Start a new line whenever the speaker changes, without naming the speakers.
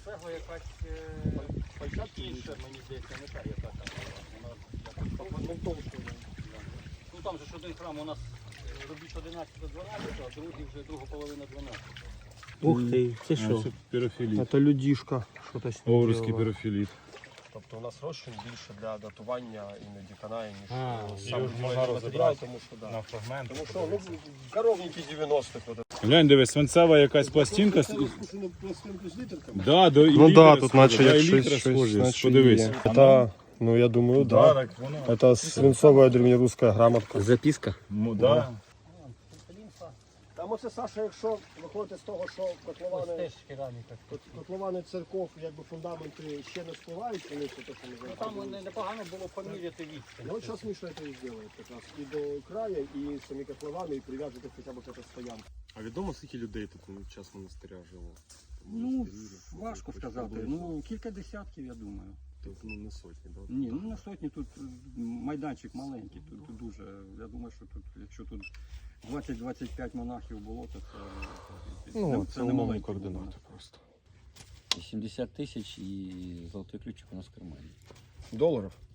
цегла якась інша, мені здається, не та, яка там. Вона якось ну там же ж один храм у нас робіть 11 до 12, а другий вже друга половина 12.
Ух ти, це що?
Це пірофіліт.
Це людішка. Що-то з ним
Овруцький
робила.
пірофіліт.
Тобто у нас розчин більше для датування іноді канає, ніж
його ж можна
матеріал,
розібрати
тому що да.
на фрагменти.
Тому що ну, коровники 90-х. Вот.
Глянь, дивись, свинцева якась пластинка.
Спущену пластинку з літерками.
Да, до
Ну
елітри
да, тут
схоже,
наче
да,
як
елітри
щось,
схожі,
наче
подивись.
є. Это, ну я думаю, да.
Так, воно.
Это свинцовая древнерусская грамотка.
Записка.
Да.
Там оце, Саша, якщо виходити з того, що котловани,
Теж кераміка.
котловани церков, якби фундаменти ще не спливають, вони все те, що ми
Ну
знаємо.
там непогано було поміряти відстань.
Ну, от зараз Міша це і зробить якраз. І до краю, і самі котловани, і прив'яжете хоча б до стоянки.
А відомо, скільки людей тут на час монастиря жило?
Ну, важко сказати. Ну, кілька десятків, я думаю.
Тобто, ну, не сотні, так?
Ні, ну на сотні тут майданчик маленький, тут дуже. Я думаю, що тут, якщо тут 20-25 монахів було, то
Ну,
це не маленькі
координати просто.
70 тисяч і золотий ключик у нас в кармані.
Доларів?